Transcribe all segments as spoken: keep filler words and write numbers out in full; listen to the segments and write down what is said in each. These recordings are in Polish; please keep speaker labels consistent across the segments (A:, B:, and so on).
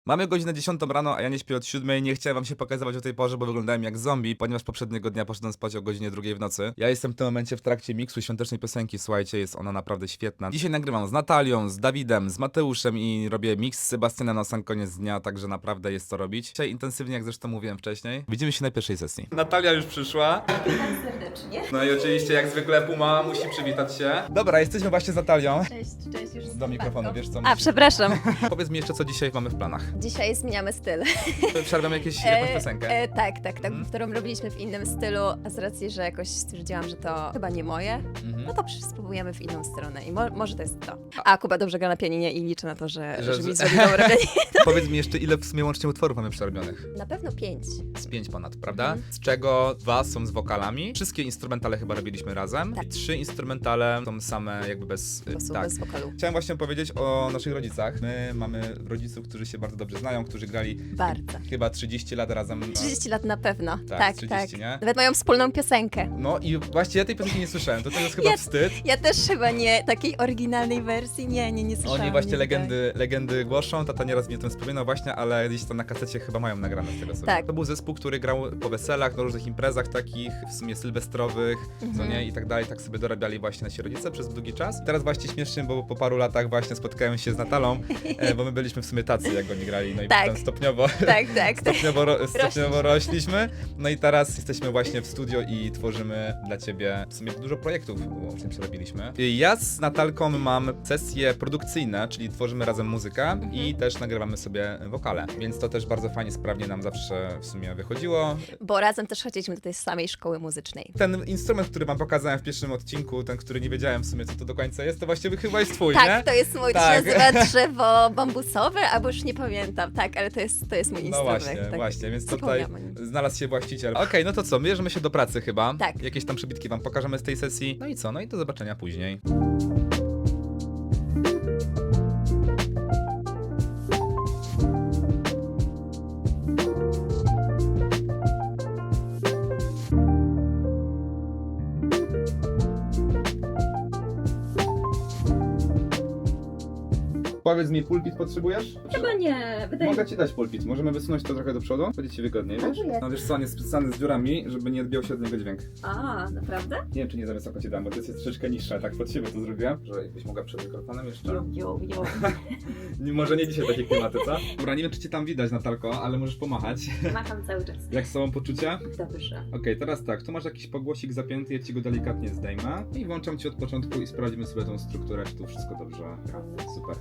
A: Mamy godzinę dziesiątą rano, a ja nie śpię od siódmej. Nie chciałem wam się pokazywać o tej porze, bo wyglądałem jak zombie, ponieważ poprzedniego dnia poszedłem spać o godzinie drugiej w nocy. Ja jestem w tym momencie w trakcie miksu świątecznej piosenki, słuchajcie, jest ona naprawdę świetna. Dzisiaj nagrywam z Natalią, z Dawidem, z Mateuszem i robię miks z Sebastianem na sam koniec dnia, także naprawdę jest co robić. Dzisiaj intensywnie, jak zresztą mówiłem wcześniej. Widzimy się na pierwszej sesji. Natalia już przyszła.
B: Witam serdecznie.
A: No i oczywiście jak zwykle Puma musi przywitać się. Dobra, jesteśmy właśnie z Natalią.
B: Cześć, cześć już.
A: Do mikrofonu, wiesz co?
B: A,
A: musisz-
B: przepraszam.
A: Powiedz mi jeszcze, co dzisiaj mamy w planach.
B: Dzisiaj zmieniamy styl.
A: Przerwiamy jakieś, jakąś piosenkę.
B: E, tak, tak, tak,
A: Mhm.
B: którą robiliśmy w innym stylu, a z racji, że jakoś stwierdziłam, że to chyba nie moje,
A: Mhm.
B: no to przy- spróbujemy w inną stronę i mo może to jest to. A Kuba dobrze gra na pianinie i liczę na to, że,
A: Że-
B: że, mi
A: że-
B: zrobi dobre pianino.
A: Powiedz mi jeszcze, ile w sumie łącznie utworów mamy przerobionych?
B: Na pewno pięć.
A: Z pięć ponad, prawda?
B: Mhm.
A: Z czego dwa są z wokalami. Wszystkie instrumentale chyba robiliśmy razem.
B: Tak.
A: I trzy instrumentale są same jakby bez...
B: Bo są
A: tak.
B: bez wokalu.
A: Chciałem właśnie powiedzieć o naszych rodzicach. My mamy rodziców, którzy się bardzo dobrze znają, którzy grali
B: Bardzo.
A: chyba trzydzieści lat razem.
B: trzydzieści lat na pewno.
A: Tak,
B: Tak,
A: trzydzieści,
B: tak.
A: nie?
B: Nawet mają wspólną piosenkę.
A: No i właśnie ja tej piosenki nie słyszałem, to, to jest chyba
B: Ja-
A: wstyd.
B: Ja też chyba nie, takiej oryginalnej wersji, nie, nie, nie słyszałam.
A: Oni właśnie
B: nigdy.
A: legendy, legendy głoszą, tata nieraz mnie o tym wspominał właśnie, ale gdzieś tam na kasecie chyba mają nagrane z tego sobie.
B: Tak.
A: To był zespół, który grał po weselach, na różnych imprezach takich, w sumie sylwestrowych, co
B: Mhm.
A: nie, i tak dalej, tak sobie dorabiali właśnie nasi rodzice przez długi czas. Teraz właśnie śmiesznie, bo po paru latach właśnie spotkałem się z Natalą, e, bo my byliśmy w sumie tacy, jak oni grali, no i
B: Tak.
A: potem stopniowo,
B: Tak, tak, tak.
A: stopniowo, ro, stopniowo rośliśmy, no i teraz jesteśmy właśnie w studio i tworzymy dla ciebie w sumie dużo projektów, łącznie przerobiliśmy. Ja z Natalką mam sesje produkcyjne, czyli tworzymy razem muzykę i też nagrywamy sobie wokale, więc to też bardzo fajnie, sprawnie nam zawsze w sumie wychodziło.
B: Bo razem też chodziliśmy do tej samej szkoły muzycznej.
A: Ten instrument, który wam pokazałem w pierwszym odcinku, ten, który nie wiedziałem w sumie co to do końca jest, to właściwie chyba jest twój,
B: Tak,
A: nie?
B: to jest mój,
A: Tak.
B: to się nazywa drzewo bambusowe, albo już nie pamiętam. Tak, ale to jest, to jest mój
A: No
B: instrument.
A: właśnie,
B: tak.
A: właśnie, więc tutaj
B: Zapomniałam o nim.
A: znalazł się właściciel. Okej, no to co, bierzemy się do pracy chyba.
B: Tak.
A: Jakieś tam przybitki wam pokażemy z tej sesji. No i co, no i do zobaczenia później. Powiedz mi, pulpit potrzebujesz?
C: Chyba nie, wydaje mi
A: Mogę ci dać pulpit, możemy wysunąć to trochę do przodu, będzie ci wygodniej, wiesz?
C: Dziękuję.
A: No wiesz co, on jest spisany z dziurami, żeby nie odbijał się od niego dźwięk.
C: A, naprawdę?
A: Nie wiem, czy nie za wysoko ci dam, bo to jest troszeczkę niższe, tak pod siebie to zrobiłem. Że jakbyś mogła przed mikrofonem jeszcze.
C: Jo, jo, jo.
A: Nie, może nie dzisiaj takie klimaty, co? Dobra, nie wiem, czy cię tam widać, Natalko, ale możesz pomachać.
C: Macham cały czas.
A: Jak są poczucia?
C: Dobrze.
A: Okej, teraz tak, tu masz jakiś pogłosik zapięty, ja ci go delikatnie zdejmę i włączam ci od początku i sprawdzimy sobie tą strukturę, czy tu wszystko dobrze gra. Super.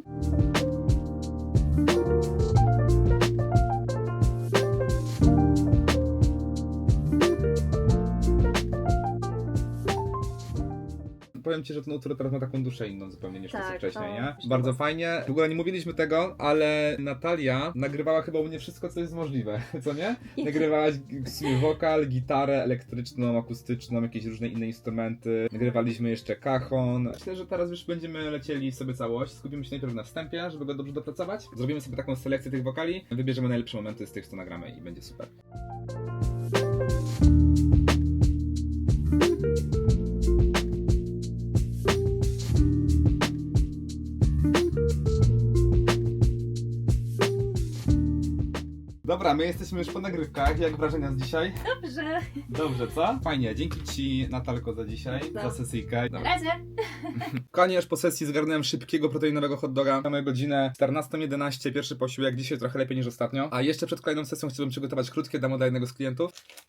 A: Powiem ci, że ten utwór teraz ma taką duszę inną zupełnie niż
C: Tak,
A: wcześniej,
C: to
A: nie?
C: już
A: Bardzo
C: było.
A: fajnie. W ogóle nie mówiliśmy tego, ale Natalia nagrywała chyba u mnie wszystko, co jest możliwe, co nie? Nagrywałaś w sumie wokal, gitarę elektryczną, akustyczną, jakieś różne inne instrumenty. Nagrywaliśmy jeszcze cajon. Myślę, że teraz już będziemy lecieli sobie całość. Skupimy się najpierw na wstępie, żeby go dobrze dopracować. Zrobimy sobie taką selekcję tych wokali, wybierzemy najlepsze momenty z tych, co nagramy i będzie super. Dobra, my jesteśmy już po nagrywkach. Jak wrażenia z dzisiaj?
C: Dobrze.
A: Dobrze, co? Fajnie, dzięki ci Natalko za dzisiaj,
C: No.
A: za sesyjkę.
C: Na razie.
A: Konie już po sesji zgarnąłem szybkiego proteinowego hot doga. Mamy godzinę czternastą jedenaście, pierwszy posiłek, dzisiaj trochę lepiej niż ostatnio. A jeszcze przed kolejną sesją chciałbym przygotować krótkie demo dla jednego z klientów.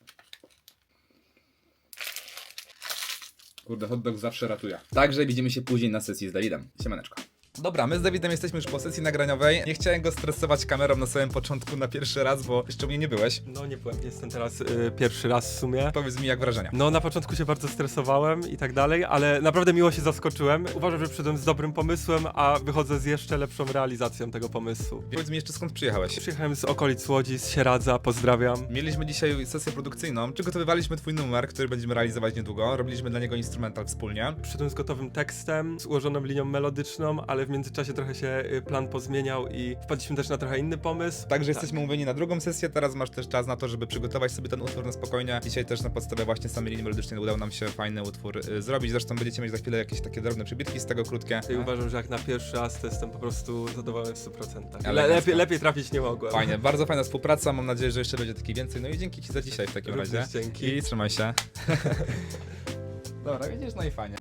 A: Kurde, hot dog zawsze ratuje. Także widzimy się później na sesji z Dawidem. Siemaneczko. Dobra, my z Dawidem jesteśmy już po sesji nagraniowej. Nie chciałem go stresować kamerą na samym początku, na pierwszy raz, bo jeszcze u mnie nie byłeś.
D: No nie byłem, jestem teraz y, pierwszy raz w sumie.
A: Powiedz mi, jak wrażenia.
D: No na początku się bardzo stresowałem i tak dalej, ale naprawdę miło się zaskoczyłem. Uważam, że przyszedłem z dobrym pomysłem, a wychodzę z jeszcze lepszą realizacją tego pomysłu.
A: Powiedz mi jeszcze, skąd przyjechałeś?
D: Przyjechałem z okolic Łodzi, z Sieradza, pozdrawiam.
A: Mieliśmy dzisiaj sesję produkcyjną. Przygotowywaliśmy twój numer, który będziemy realizować niedługo. Robiliśmy dla niego instrumental wspólnie.
D: Przyszedłem z gotowym tekstem, z ułożoną linią melodyczną, ale ale w międzyczasie trochę się y, plan pozmieniał i wpadliśmy też na trochę inny pomysł.
A: Także jesteśmy umówieni na drugą sesję, teraz masz też czas na to, żeby przygotować sobie ten utwór na spokojnie. Dzisiaj też na podstawie właśnie samej linii melodycznej udało nam się fajny utwór y, zrobić, zresztą będziecie mieć za chwilę jakieś takie drobne przybitki z tego, krótkie.
D: I uważam, że jak na pierwszy raz to jestem po prostu zadowolony w stu procentach. Le
A: Elegancko.
D: lepiej, lepiej trafić nie mogłem.
A: Fajnie, bardzo fajna współpraca, mam nadzieję, że jeszcze będzie takich więcej. No i dzięki Ci za dzisiaj w takim
D: Również
A: razie.
D: dzięki.
A: I trzymaj się. Dobra, widzisz, no i fajnie.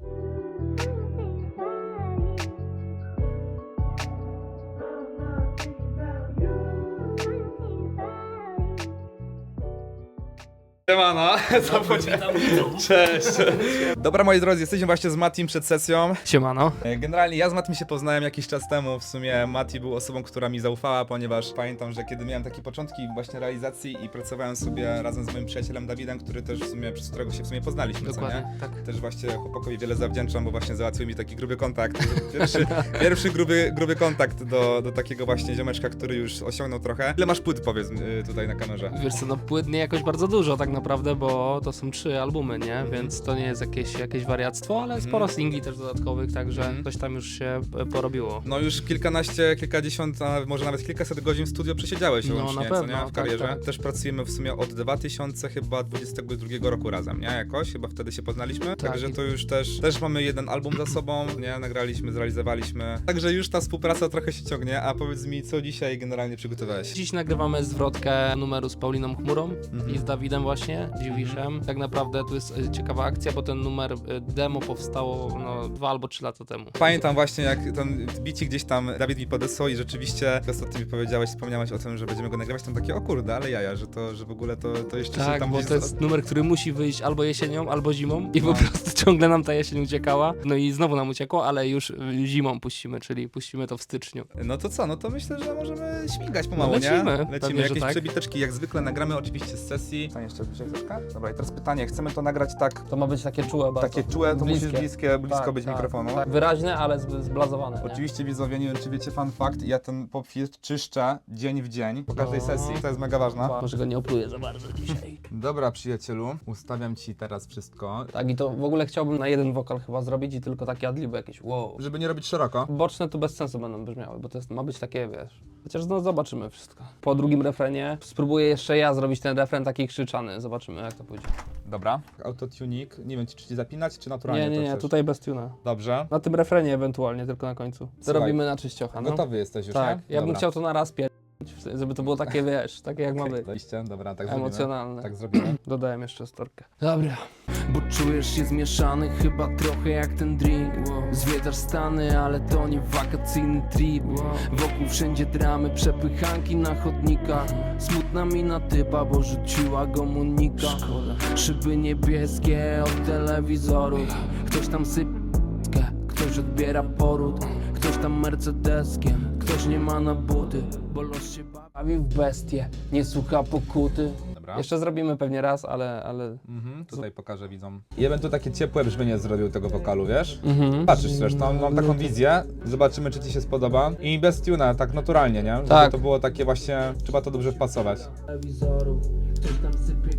A: Siemano, co powiedziałem? Cześć. Dobra, moi drodzy, jesteśmy właśnie z Matim przed sesją.
E: Siemano.
A: Generalnie ja z Matim się poznałem jakiś czas temu. W sumie Mati był osobą, która mi zaufała, ponieważ pamiętam, że kiedy miałem takie początki właśnie realizacji i pracowałem sobie razem z moim przyjacielem Dawidem, który też w sumie, przez którego się w sumie poznaliśmy, co nie?
E: Dokładnie, tak.
A: Też właśnie chłopakowi wiele zawdzięczam, bo właśnie załatwił mi taki gruby kontakt. Pierwszy, pierwszy gruby, gruby kontakt do, do takiego właśnie ziomeczka, który już osiągnął trochę. Ile masz płyt, powiedz y, tutaj na kamerze?
E: Wiesz co, no płyt nie jakoś bardzo dużo tak naprawdę, bo to są trzy albumy, nie?
A: Mhm.
E: Więc to nie jest jakieś, jakieś wariactwo, ale
A: Mhm.
E: sporo singli też dodatkowych, także
A: Mhm.
E: coś tam już się e, porobiło.
A: No już kilkanaście, kilkadziesiąt, a może nawet kilkaset godzin w studio przesiedziałeś
E: No,
A: łącznie,
E: na
A: co
E: pewno,
A: nie? W
E: tak,
A: karierze.
E: tak.
A: Też pracujemy w sumie od dwa tysiące dwudziestego drugiego roku razem, nie? Jakoś, chyba wtedy się poznaliśmy.
E: Tak.
A: Także to już też, też mamy jeden album za sobą, nie? Nagraliśmy, zrealizowaliśmy. Także już ta współpraca trochę się ciągnie, a powiedz mi, co dzisiaj generalnie przygotowałeś?
E: Dziś nagrywamy zwrotkę numeru z Pauliną Chmurą
A: Mhm.
E: i z Dawidem właśnie, Dziwiszem. Tak naprawdę tu jest e, ciekawa akcja, bo ten numer e, demo powstało no, dwa albo trzy lata temu.
A: Pamiętam właśnie, jak ten bici gdzieś tam Dawid mi podesłał i rzeczywiście ostatnio mi powiedziałeś, wspomniałeś o tym, że będziemy go nagrywać, tam takie, o kurde, ale jaja, że to, że w ogóle to, to jeszcze się
E: Tak,
A: tam
E: bo
A: gdzieś...
E: to jest numer, który musi wyjść albo jesienią, albo zimą i
A: No.
E: po prostu ciągle nam ta jesień uciekała. No i znowu nam uciekło, ale już y, zimą puścimy, czyli puścimy to w styczniu.
A: No to co, no to myślę, że możemy śmigać pomału,
E: No lecimy,
A: nie?
E: pewnie,
A: Lecimy,
E: że
A: jakieś
E: tak.
A: przebiteczki, jak zwykle nagramy oczywiście z sesji. Tam jeszcze bliżej troszkę? Dobra, i teraz pytanie, chcemy to nagrać tak,
E: To ma być takie czułe bardzo.
A: takie czułe, to
E: Bliskie.
A: musisz bliskie, blisko
E: Tak,
A: być
E: tak,
A: mikrofonu.
E: Tak, wyraźne, ale z- zblazowane. nie?
A: Oczywiście widzowie, nie wiem czy wiecie, fun fact, ja ten popfiltr czyszczę dzień w dzień, po każdej
E: No.
A: sesji, to jest mega ważne.
E: Może go nie opluję za bardzo dzisiaj.
A: Dobra przyjacielu, ustawiam ci teraz wszystko,
E: Tak, i to w ogóle chciałbym na jeden wokal chyba zrobić i tylko takie adliby jakieś wow.
A: żeby nie robić szeroko.
E: Boczne tu bez sensu będą brzmiały, bo to jest, ma być takie, wiesz... Chociaż no zobaczymy wszystko. Po drugim refrenie spróbuję jeszcze ja zrobić ten refren taki krzyczany, zobaczymy jak to pójdzie.
A: Dobra. Autotunik, nie wiem czy ci zapinać, czy naturalnie
E: Nie, nie,
A: to
E: nie,
A: chcesz?
E: tutaj bez tuna.
A: Dobrze.
E: Na tym refrenie ewentualnie, tylko na końcu. To
A: Słuchaj,
E: robimy na czyściocha, no.
A: Gotowy jesteś już,
E: Tak,
A: nie?
E: ja bym
A: Dobra.
E: chciał to na raz pier... żeby to było takie, wiesz, takie jak ma być.
A: Oczywiście, dobra, tak zrobimy.
E: Emocjonalne.
A: Tak zrobimy.
E: Dodałem jeszcze storkę. Dobra. Bo czujesz się zmieszany, chyba trochę jak ten drink. Zwiedzasz Stany, ale to nie wakacyjny trip. Wokół wszędzie dramy, przepychanki na chodnikach. Smutna mina typa, bo rzuciła go Monika. Szyby niebieskie od telewizorów. Ktoś tam sypkę, ktoś odbiera poród. Ktoś tam mercedeskiem, ktoś nie ma na buty. Bo los się bawi w bestie, nie słucha pokuty.
A: Dobra.
E: Jeszcze zrobimy pewnie raz, ale... ale...
A: Mhm, tutaj pokażę widzom. Ja bym tu takie ciepłe brzmienie zrobił tego wokalu, wiesz?
E: Mhm.
A: Patrzysz zresztą, mam taką wizję, zobaczymy czy ci się spodoba. I bez tuna, tak naturalnie, nie? Żeby
E: Tak.
A: to było takie właśnie, trzeba to dobrze wpasować.
E: Telewizorów, ktoś tam sypie,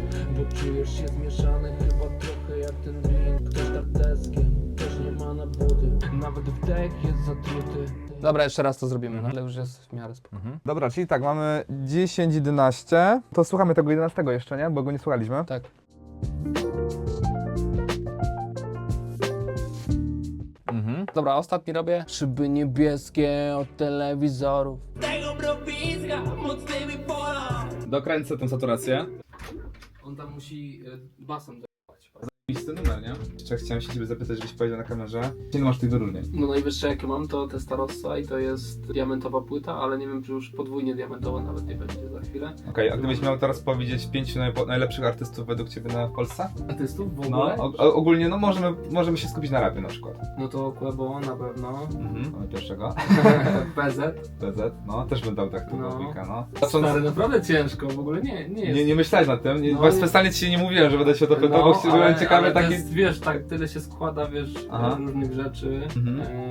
E: bo czujesz się zmieszany, chyba trochę jak ten drink. Ktoś tarteskiem, ktoś nie ma na buty, nawet wdech jest zatruty. Dobra, jeszcze raz to zrobimy, ale już jest w miarę spoko.
A: Mhm. Dobra, czyli tak, mamy dziesięć, jedenaście. To słuchamy tego jedenastego jeszcze, nie? Bo go nie słuchaliśmy.
E: Tak.
A: Mhm.
E: Dobra, ostatni robię. Szyby niebieskie od telewizorów.
A: Dokręcę tą saturację.
E: On tam musi basem do...
A: Listy numer, nie? Jeszcze chciałem się ciebie zapytać, żebyś powiedział na kamerze. Ile masz tych wyróżnień?
E: No najwyższe jakie mam to Testarossa i to jest diamentowa płyta, ale nie wiem czy już podwójnie diamentowa nawet nie będzie za chwilę.
A: Okej, a gdybyś miał teraz powiedzieć pięciu najpo- najlepszych artystów według ciebie na w Polsce?
E: Artystów w
A: No,
E: ogóle?
A: o, o, ogólnie no możemy, możemy się skupić na rapie na przykład.
E: No to Quebo na pewno.
A: Mhm. Mamy pierwszego.
E: P Z.
A: P Z, no też bym dał tak tu
E: No.
A: dwójkę, no.
E: Stary, naprawdę ciężko, w ogóle nie, nie jest.
A: Nie, nie myślałeś nad tym? Nie,
E: No,
A: no,
E: nie.
A: specjalnie ci się nie mówiłem, że będę się o to pytał, bo byłem ciekawy
E: ale
A: taki...
E: to jest, wiesz, tak, tyle się składa, wiesz,
A: Aha.
E: różnych rzeczy.
A: Mhm.
E: E,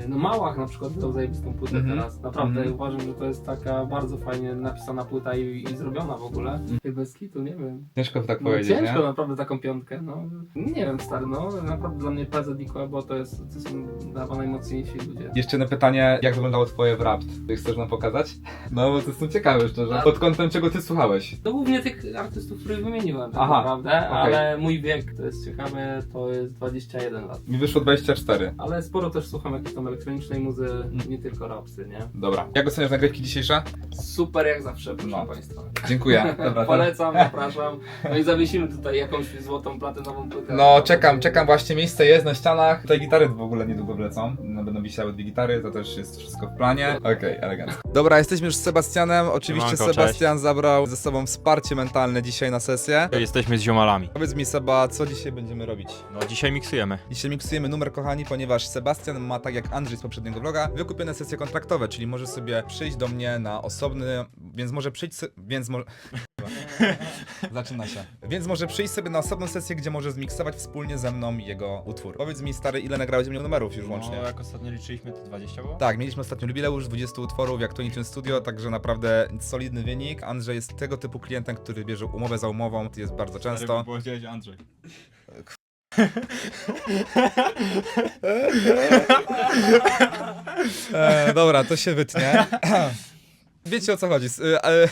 E: No Małach na przykład wydał zajebistą płytę
A: Mhm.
E: teraz. Naprawdę
A: Mhm.
E: uważam, że to jest taka bardzo fajnie napisana płyta i, i zrobiona w ogóle. I bez kitu, nie wiem.
A: Ciężko tak
E: No,
A: powiedzieć,
E: ciężko
A: nie?
E: naprawdę taką piątkę, no. Nie wiem, stary, no. Naprawdę dla mnie P Z i Koebo to, jest, to są chyba najmocniejsi ludzie.
A: Jeszcze jedno pytanie, jak wyglądało twoje wrapt? Ty chcesz nam pokazać? No bo to są ciekawe szczerze. Pod kątem czego ty słuchałeś?
E: To głównie tych artystów, których wymieniłem tak
A: Aha,
E: naprawdę,
A: okej.
E: ale mój wiek, to jest ciekawe, to jest dwadzieścia jeden lat.
A: Mi wyszło dwadzieścia cztery.
E: Ale sporo też słucham jakiejś tam elektronicznej muzy, nie tylko rapsy, nie?
A: Dobra. Jak oceniasz nagrywki dzisiejsze?
E: Super jak zawsze, proszę
A: No.
E: Państwa.
A: Dziękuję. Dobra, to...
E: Polecam, zapraszam. No i zawiesimy tutaj jakąś złotą platynową płytę.
A: No czekam, czekam właśnie, miejsce jest na ścianach. Tutaj gitary w ogóle niedługo wlecą. No, będą wisiały dwie gitary, to też jest wszystko w planie. Okej, okay, elegancko. Dobra, jesteśmy już z Sebastianem. Oczywiście
F: Siemanko,
A: Sebastian zabrał ze sobą wsparcie mentalne dzisiaj na sesję.
F: Jesteśmy z ziomalami.
A: Powiedz mi Seba, co dzisiaj będziemy robić?
F: No dzisiaj miksujemy.
A: Dzisiaj miksujemy numer, kochani, ponieważ Sebastian ma, tak jak Andrzej z poprzedniego vloga, wykupione sesje kontraktowe, czyli może sobie przyjść do mnie na osobny, więc może przyjść, se- więc może... Zaczyna się. Więc może przyjść sobie na osobną sesję, gdzie może zmiksować wspólnie ze mną jego utwór. Powiedz mi, stary, ile nagrałeś u mnie numerów już łącznie?
F: No jak ostatnio liczyliśmy, to dwadzieścia było?
A: Tak, mieliśmy ostatnio jubileusz dwudziestu utworów jak Tony Tune Studio, także naprawdę solidny wynik. Andrzej jest tego typu klientem, który bierze umowę za umową, to jest bardzo często.
F: Było powiedzieć Andrzej.
A: E, dobra, to się wytnie. Wiecie o co chodzi. S- e, e,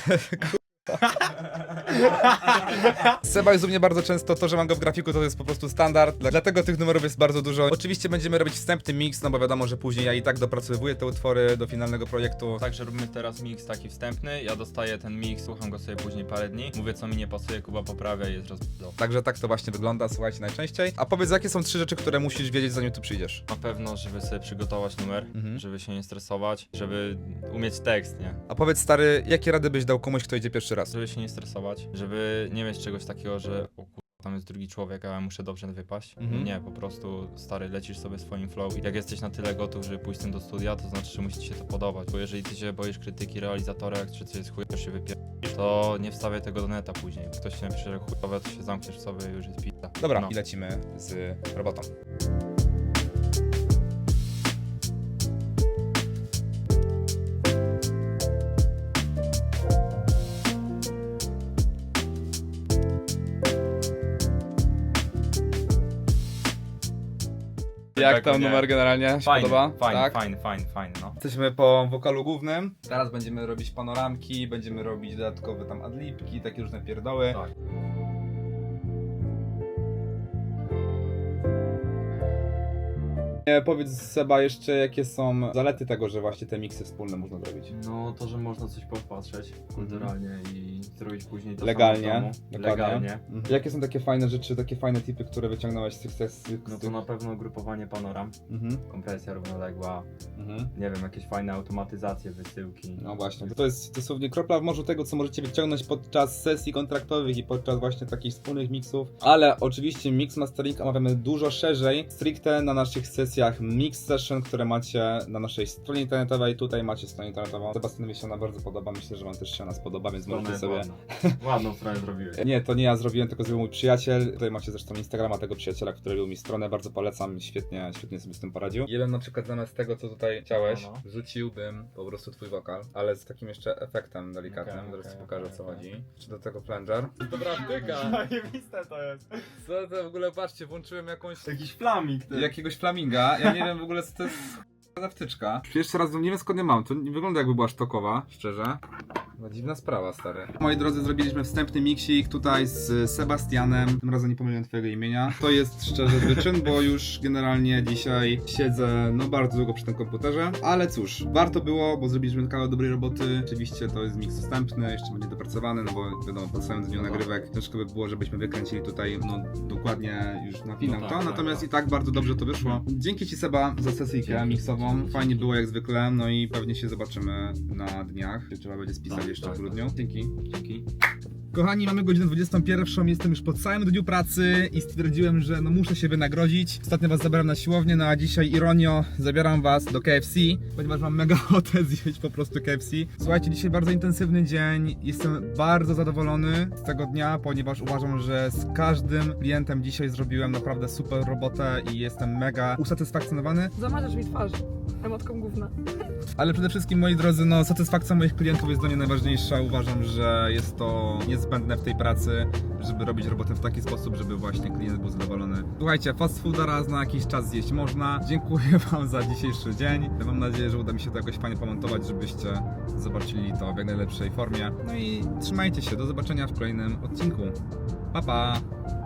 A: Seba jest u mnie bardzo często, to, że mam go w grafiku, to jest po prostu standard, dla- dlatego tych numerów jest bardzo dużo. Oczywiście będziemy robić wstępny mix, no bo wiadomo, że później ja i tak dopracowuję te utwory do finalnego projektu.
F: Także robimy teraz mix taki wstępny, ja dostaję ten mix, słucham go sobie później parę dni, mówię co mi nie pasuje, Kuba poprawia i jest rozbudowa.
A: Także tak to właśnie wygląda, słuchajcie, najczęściej. A powiedz, jakie są trzy rzeczy, które musisz wiedzieć, zanim tu przyjdziesz?
F: Na pewno, żeby sobie przygotować numer,
A: Mhm.
F: żeby się nie stresować, żeby umieć tekst, nie?
A: A powiedz, stary, jakie rady byś dał komuś, kto idzie pierwszy raz?
F: Żeby się nie stresować, żeby nie mieć czegoś takiego, że o kur... tam jest drugi człowiek, a ja muszę dobrze wypaść.
A: Mhm.
F: Nie, po prostu stary, lecisz sobie swoim flow i jak jesteś na tyle gotów, żeby pójść z tym do studia, to znaczy, że musi ci się to podobać, bo jeżeli ty się boisz krytyki realizatora, jak czy coś jest chujowe, się wypierdolisz, to nie wstawiaj tego do neta później. Jak ktoś się napisze, że chujowe, to się zamkniesz w sobie i już jest pizza.
A: Dobra,
F: No.
A: i lecimy z robotą. Jak
F: Tak,
A: tam
F: nie.
A: numer generalnie? Się
F: Fajny,
A: podoba?
F: fajny,
A: tak?
F: fajny, fajny, fajny, no.
A: Jesteśmy po wokalu głównym. Teraz będziemy robić panoramki, będziemy robić dodatkowe tam adlibki, takie różne pierdoły.
F: Tak.
A: E, powiedz Seba jeszcze, jakie są zalety tego, że właśnie te miksy wspólne można zrobić.
G: No to, że można coś popatrzeć kulturalnie i zrobić później to
A: Legalnie.
G: samo w domu.
A: Dokładnie.
G: Legalnie.
A: Mhm. Jakie są takie fajne rzeczy, takie fajne tipy, które wyciągnąłeś z tych sesji?
G: No to na pewno grupowanie panoram,
A: Mhm.
G: kompresja równoległa,
A: Mhm.
G: nie wiem, jakieś fajne automatyzacje, wysyłki.
A: No właśnie, to, to jest dosłownie kropla w morzu tego, co możecie wyciągnąć podczas sesji kontraktowych i podczas właśnie takich wspólnych miksów. Ale oczywiście mix mastering omawiamy dużo szerzej, stricte na naszych sesjach mix session, które macie na naszej stronie internetowej. Tutaj macie stronę internetową. Sebastianowi się ona bardzo podoba, myślę, że wam też się ona spodoba, więc
G: Strona
A: możecie
G: jest
A: sobie...
G: ładna. Ładną stronę zrobiłeś.
A: Nie, to nie ja zrobiłem, tylko zrobił mój przyjaciel. Tutaj macie zresztą Instagrama tego przyjaciela, który robił mi stronę, bardzo polecam, świetnie, świetnie sobie z tym poradził. Ja bym na przykład zamiast tego, co tutaj chciałeś,
F: No, no.
A: wrzuciłbym po prostu twój wokal, ale z takim jeszcze efektem delikatnym,
F: Okej,
A: zaraz ci
F: okej,
A: pokażę, o
F: okej,
A: co
F: okej.
A: chodzi. Czy do tego plunger? Dobra wtyka!
F: Zajebiste to jest.
A: Co to w ogóle, patrzcie, włączyłem jakąś...
G: Jakiś flaming ty.
A: jakiegoś flaminga, ja nie wiem w ogóle co to jest za wtyczka. Pierwszy raz nie wiem skąd nie mam, to nie wygląda jakby była sztokowa, szczerze. No, dziwna sprawa, stary. Moi drodzy, zrobiliśmy wstępny miksik tutaj z Sebastianem. Tym razem nie pomyliłem twojego imienia. To jest szczerze wyczyn, bo już generalnie dzisiaj siedzę no bardzo długo przy tym komputerze. Ale cóż, warto było, bo zrobiliśmy kawał dobrej roboty. Oczywiście to jest miks wstępny, jeszcze będzie dopracowany, no bo wiadomo, po całym dniu nagrywek ciężko by było, żebyśmy wykręcili tutaj no dokładnie już na finał
G: No
A: to.
G: tak,
A: Natomiast
G: tak,
A: i tak bardzo dobrze to wyszło. Dzięki ci Seba za sesyjkę
G: Dzięki,
A: miksową.
G: dzięki,
A: Fajnie
G: dzięki.
A: było jak zwykle, no i pewnie się zobaczymy na dniach. Trzeba będzie spisać
G: Tak,
A: jeszcze
G: tak,
A: w grudniu.
G: tak.
A: Dzięki. Dzięki. Kochani, mamy godzinę dwudziestą pierwszą, jestem już po całym dniu pracy i stwierdziłem, że no muszę się wynagrodzić. Ostatnio was zabrałem na siłownię, no a dzisiaj ironio zabieram was do K F C, ponieważ mam mega ochotę zjeść po prostu K F C. Słuchajcie, dzisiaj bardzo intensywny dzień, jestem bardzo zadowolony z tego dnia, ponieważ uważam, że z każdym klientem dzisiaj zrobiłem naprawdę super robotę i jestem mega usatysfakcjonowany.
H: Zamarzasz mi twarz. emotką gówna.
A: Ale przede wszystkim, moi drodzy, no satysfakcja moich klientów jest dla mnie najważniejsza. Uważam, że jest to niezbędne w tej pracy, żeby robić robotę w taki sposób, żeby właśnie klient był zadowolony. Słuchajcie, fast fooda raz na jakiś czas zjeść można. Dziękuję wam za dzisiejszy dzień. Mam nadzieję, że uda mi się to jakoś fajnie pomontować, żebyście zobaczyli to w jak najlepszej formie. No i trzymajcie się, do zobaczenia w kolejnym odcinku. Pa, pa!